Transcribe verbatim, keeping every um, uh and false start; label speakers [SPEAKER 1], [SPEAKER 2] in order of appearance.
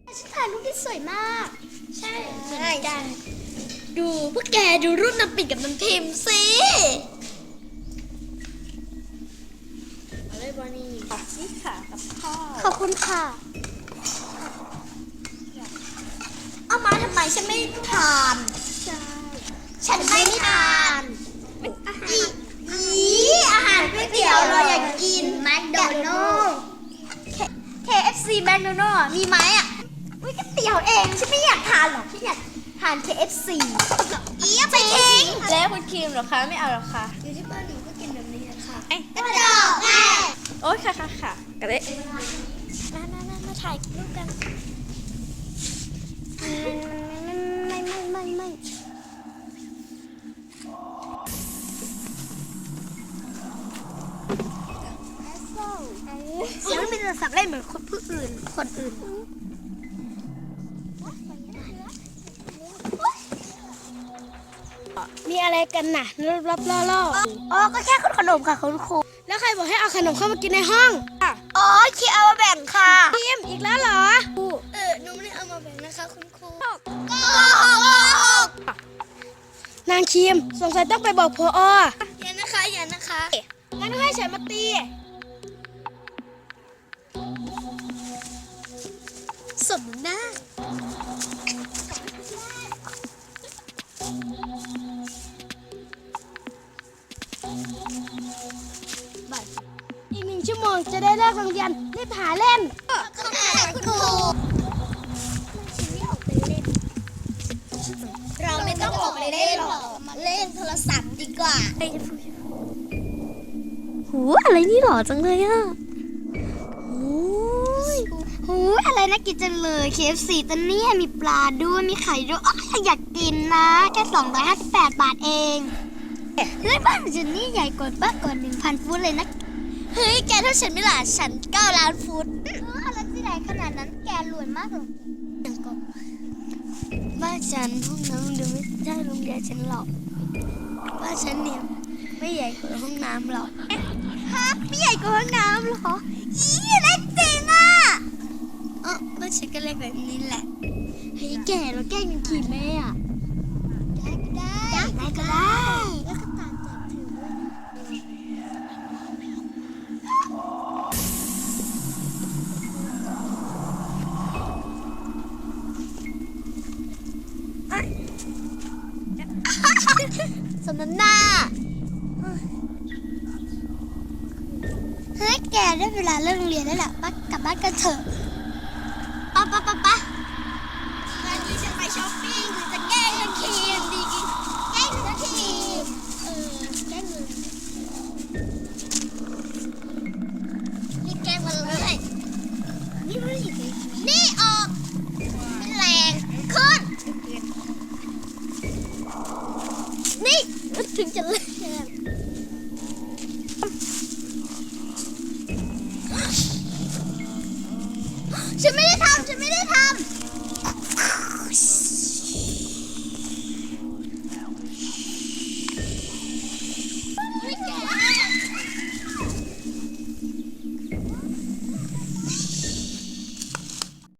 [SPEAKER 1] ฉันถ่ายรูปที่สวยมากใช่เหมือนกันดูพวกแกดูรูปน้ำปิ่นกับน้ำพิมพ์สิเอาเลยบอนี่ขอบคุณค่ะกับพ่อขอบคุณค่ะเอามาทำไมฉันไม่ทานใช่ฉันไม่ทานอีอีอาหารก๋วยเตี๋ยวเราอยากกินแมคโดนัลด์ เค เอฟ ซี แมคโดนัลด์มีไหมอ่ะอุ้ยก๋วยเตี๋ยวเองฉันไม่อยากทานหรอกฉันอยากทาน เค เอฟ ซี อีไปทิ้ง
[SPEAKER 2] แล้วคุณครีมเหรอคะไม่เอาหรอคะ
[SPEAKER 1] อยู่ที่บ้านหนูก็กินแบบนี้ค่ะ
[SPEAKER 2] เอ๊ะ
[SPEAKER 1] กระจอกแม่
[SPEAKER 2] โอ๊ยค่ะค่ะค่ะกระเดะ
[SPEAKER 1] มามามามาถ่ายรูปกันไม่ไม่ไม่ไม่ฉันไม่จะสับเล่นเหมือนคนผู้อื่นคนอื่นมีอะไรกันน่ะรับล่อล่ออ๋อก็แค่ขนมค่ะคุณครูแล้วใครบอกให้เอาขนมเข้ามากินในห้องอ๋อคิดเอามาแบ่งค่ะพิมอีกแล้วเหรอเออหนูไม่ได้เอามาแบ่งนะคะคุณครูก็นางคิมสงสัยต้องไปบอกพออย่านะคะอย่านะคะงั้นให้ฉันมาตีสมหน้าอีกหนึ่งชั่วโมงจะได้เลิกโรงเรียนรีบหาเล่นขอบคุณครูเราไม่ต้องออกไปเล่นหรอกมาเล่นโทรศัพท์ดีกว่าหูอะไรนี่หล่อจังเลยอ่ะหูอะไรน่ากินจังเลย เค เอฟ ซี ตัวนี้มีปลาด้วยมีไข่ด้วยอ๋ออยากกินนะแค่สองร้อยห้าสิบแปดบาทเองเฮ้ยบ้านฉันนี่ใหญ่กว่าบ้านกว่าหนึ่งพันฟุตเลยนะเฮ้ยแกเท่าฉันไม่ล่ะฉันเก้าล้านฟุตเอออะไรที่ไหนขนาดนั้นแกรวยมากเลยอย่างก็บ้านฉันห้องน้ำเดี๋ยวไม่ใช่โรงเรียนฉันหรอกบ้านฉันเนี่ยไม่ใหญ่กว่าห้องน้ำหรอกฮะไม่ใหญ่กว่าห้องน้ำหรออีเล็กจริงอ่ะเออบ้านฉันก็เล็กแบบนี้แหละเฮ้ยแกเราแกล้งกันขี่แม่อ่ะได้ก็ได้ได้ก็ได้แล้วก็ตามใจถือสมน้ำหน้าเฮ้ยแกได้เวลาเลิกโรงเรียนแล้วแหละบ้านกลับบ้านกันเถอะ